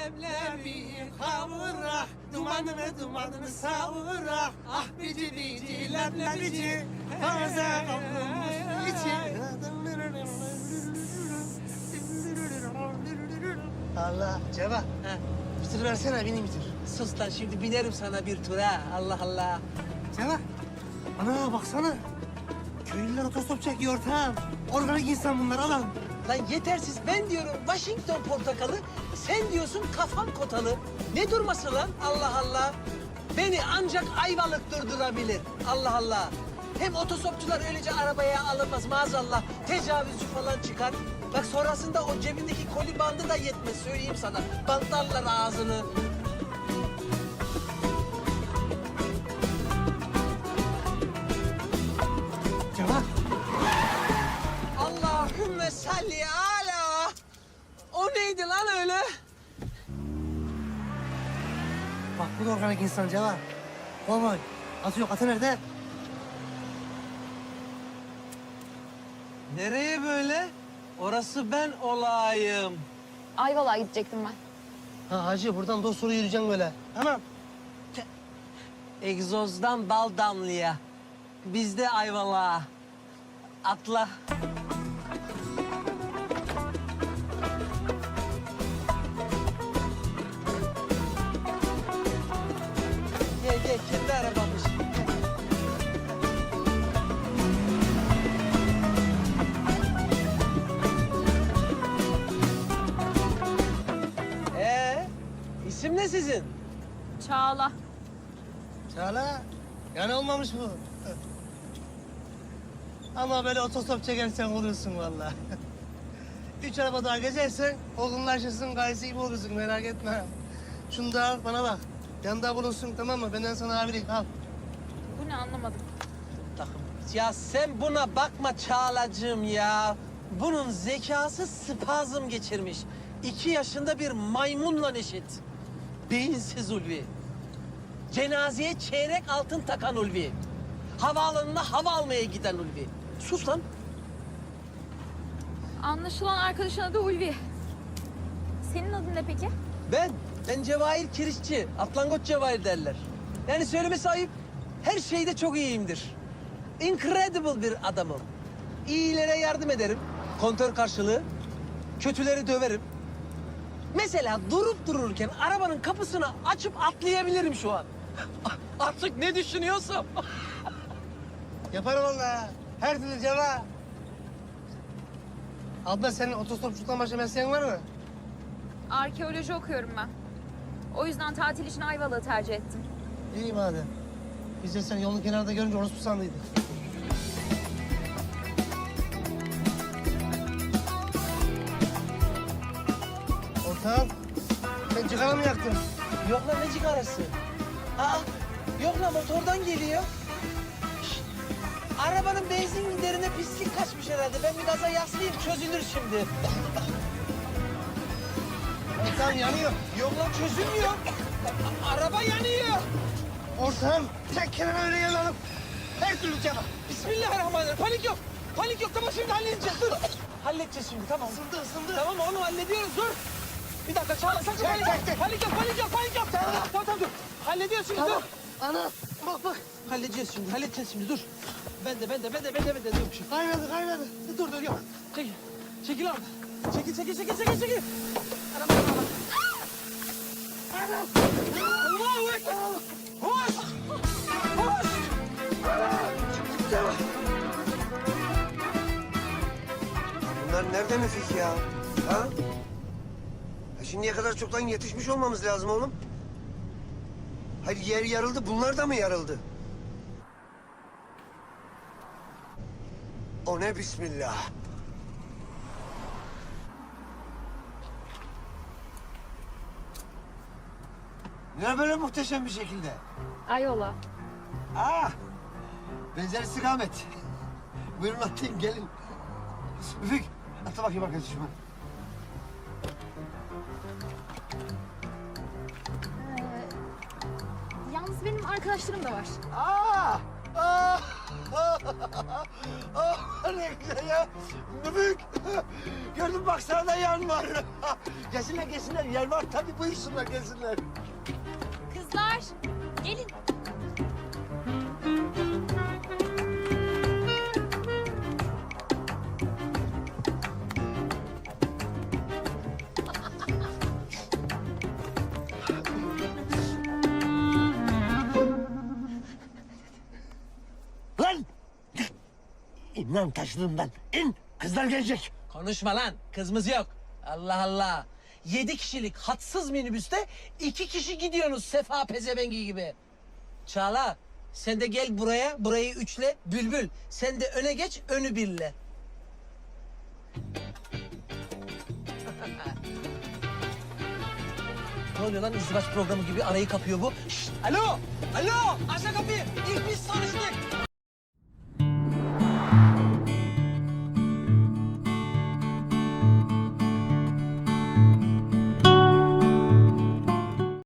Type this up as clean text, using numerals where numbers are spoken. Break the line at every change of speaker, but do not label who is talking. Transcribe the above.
leblebi kavurak, dumanını savurak. Ah bici bici leblebici, taze kavrulmuş içi.
Allah Ceva. Bitir versene beni bitir.
Sus lan şimdi binerim sana bir tura. Allah Allah.
Ceva. Ana baksana. Köylüler otostop çekiyor ortağım. Organik insan bunlar alan.
Lan yetersiz ben diyorum Washington portakalı, sen diyorsun kafam kotalı. Ne durması lan Allah Allah. Beni ancak Ayvalık durdurabilir. Allah Allah. Hem otostopçular öylece arabaya alınmaz maazallah. Tecavüzcü falan çıkar. Bak sonrasında o cebindeki koli bandı da yetmez söyleyeyim sana. Bantlarlar ağzını.
Ceva.
Allahümme salli ala. O neydi lan öyle?
Bak bu da organik insan Ceva. Kovboy. Atı yok. Atı nerede?
Nereye böyle? Orası ben olayım.
Ayvalık'a gidecektim ben.
Ha hacı buradan dosturu yürüyeceksin böyle. Tamam.
Egzozdan bal damlaya. Bizde Ayvalık'a. Atla. Gel kendi arabamız. İsim ne sizin?
Çağla.
Çağla. Yani olmamış bu. Ama böyle otostop çekersen olursun vallahi. 3 araba daha gezersen olgunlaşırsın, gayesi gibi olursun merak etme. Şunu da al bana bak. Yanında bulunsun tamam mı? Benden sana abilik al.
Bu ne anlamadım.
Takım. Ya sen buna bakma Çağlacığım ya. Bunun zekası spazm geçirmiş. 2 yaşında bir maymunla eşit. Beyinsiz Ulvi. Cenazeye çeyrek altın takan Ulvi. Havaalanına hava almaya giden Ulvi. Sus lan.
Anlaşılan arkadaşın adı Ulvi. Senin adın ne peki?
Ben Cevahir Kirişçi. Atlangoç Cevahir derler. Yani söylemesi ayıp. Her şeyde çok iyiyimdir. Incredible bir adamım. İyilere yardım ederim. Kontör karşılığı. Kötüleri döverim. Mesela durup dururken arabanın kapısını açıp atlayabilirim şu an. Artık ne düşünüyorsam.
Yaparım vallahi. Her türlü ceva. Abla senin otostopçuluktan başka mesleğin var mı?
Arkeoloji okuyorum ben. O yüzden tatil için Ayvalık'ı tercih ettim.
İyi madem. Biz de seni yolun kenarında görünce orospu sandıydık. Ortağım, sen cigara mı yaktın?
Yok lan ne cigarası? Aa, yok lan motordan geliyor. Şişt, arabanın benzin giderine pislik kaçmış herhalde. Ben bir gaza yaslayayım çözülür şimdi.
Ortağım yanıyor.
Yok lan çözülmüyor. Araba yanıyor.
Ortağım, tek kenara öyle yanalım. Her türlü ceva.
Bismillahirrahmanirrahim. Panik yok. Panik yok. Tamam şimdi halledeceğiz. Dur. Halledeceğiz şimdi tamam.
Isındı, ısındı.
Tamam onu hallediyoruz. Dur. Bir dakika Çağla sakın panik yok. Panik yok, panik yok, panik yok. Tamam dur. Hallediyoruz şimdi
Tamam.
dur.
Ana, bak.
Halledeceğiz şimdi dur. Ben de. Dur bir şey.
Kaynadı.
Dur yok. Çekil abi. Çekil. Araba. Allahu Ekber. Hoş.
Bunlar nerede Müfik ya? Ha? Şimdiye kadar çoktan yetişmiş olmamız lazım oğlum. Hayır yer yarıldı, bunlar da mı yarıldı? O ne bismillah. Ne böyle muhteşem bir şekilde?
Ayvalık'a.
Benzer istikamet. Buyurun atlayın gelin. Müfik atla bakayım arkadaşım.
Yalnız benim arkadaşlarım da var.
Aa! Ne güzel ya. Mübük. Gördün bak sağda yan var. Gelsinler gelsinler. Yer var tabii buyursunlar gelsinler.
Kızlar gelin.
Lan! İn lan taşlığımdan. İn. Kızlar gelecek.
Konuşma lan. Kızımız yok. Allah Allah. 7 kişilik hatsız minibüste 2 kişi gidiyorsunuz Sefa pezevengi gibi. Çağla sen de gel buraya. Burayı üçle. Bülbül sen de öne geç. Önü birle. Ne oluyor lan izdivaç programı gibi arayı kapıyor bu. Şşt, alo! Alo! Aç kapıyı. İlk biz tanıştık.